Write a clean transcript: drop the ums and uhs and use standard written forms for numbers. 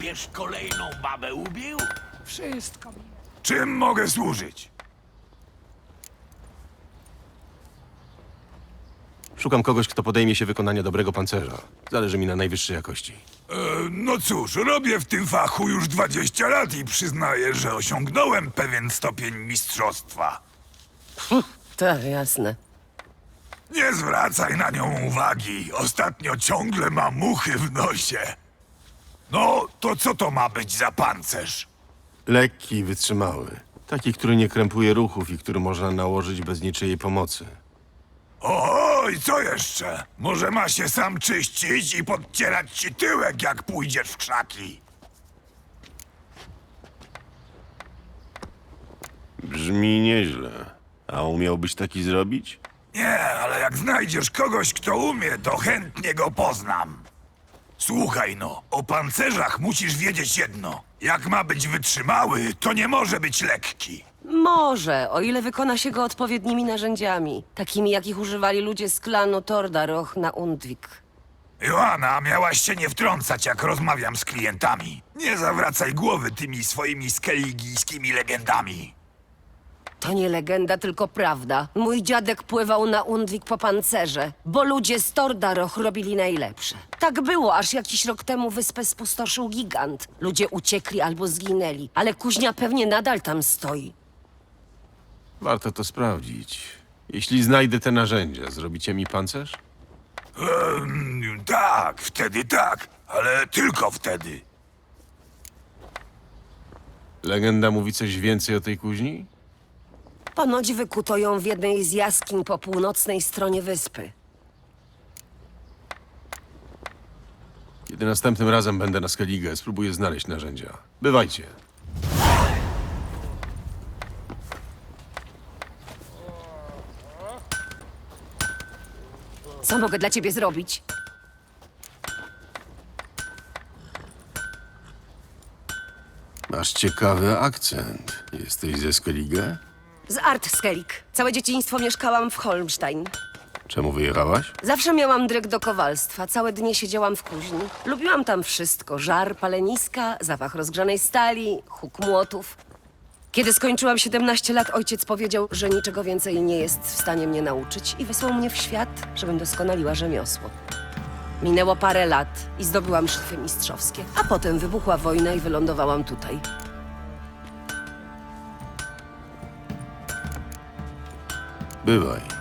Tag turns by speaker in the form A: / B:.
A: papież kolejną babę ubił?
B: Wszystko mi.
C: Czym mogę służyć?
D: Szukam kogoś, kto podejmie się wykonania dobrego pancerza. Zależy mi na najwyższej jakości.
C: No cóż, robię w tym fachu już 20 lat i przyznaję, że osiągnąłem pewien stopień mistrzostwa.
E: Tak, jasne.
C: Nie zwracaj na nią uwagi. Ostatnio ciągle ma muchy w nosie. No, to co to ma być za pancerz?
D: Lekki i wytrzymały. Taki, który nie krępuje ruchów i który można nałożyć bez niczyjej pomocy.
C: Oj, co jeszcze? Może ma się sam czyścić i podcierać ci tyłek, jak pójdziesz w krzaki.
D: Brzmi nieźle. A umiałbyś taki zrobić?
C: Nie, ale jak znajdziesz kogoś, kto umie, to chętnie go poznam. Słuchaj no, o pancerzach musisz wiedzieć jedno. Jak ma być wytrzymały, to nie może być lekki.
E: Może, o ile wykona się go odpowiednimi narzędziami. Takimi, jakich używali ludzie z klanu Tordaroch na Undvik.
C: Joanna, miałaś się nie wtrącać, jak rozmawiam z klientami. Nie zawracaj głowy tymi swoimi skeligijskimi legendami.
E: To nie legenda, tylko prawda. Mój dziadek pływał na Undvik po pancerze, bo ludzie z Tordaroch robili najlepsze. Tak było, aż jakiś rok temu wyspę spustoszył gigant. Ludzie uciekli albo zginęli, ale kuźnia pewnie nadal tam stoi.
D: Warto to sprawdzić. Jeśli znajdę te narzędzia, zrobicie mi pancerz?
C: Tak, wtedy tak, ale tylko wtedy.
D: Legenda mówi coś więcej o tej kuźni?
E: Ponoć wykuto ją w jednej z jaskiń po północnej stronie wyspy.
D: Kiedy następnym razem będę na Skellige, spróbuję znaleźć narzędzia. Bywajcie.
E: Co mogę dla ciebie zrobić?
D: Masz ciekawy akcent. Jesteś ze Skellige?
E: Z Artskelik. Całe dzieciństwo mieszkałam w Holmstein.
D: Czemu wyjechałaś?
E: Zawsze miałam dryg do kowalstwa. Całe dnie siedziałam w kuźni. Lubiłam tam wszystko. Żar, paleniska, zapach rozgrzanej stali, huk młotów. Kiedy skończyłam 17 lat, ojciec powiedział, że niczego więcej nie jest w stanie mnie nauczyć i wysłał mnie w świat, żebym doskonaliła rzemiosło. Minęło parę lat i zdobyłam szlify mistrzowskie, a potem wybuchła wojna i wylądowałam tutaj.
D: Bywaj.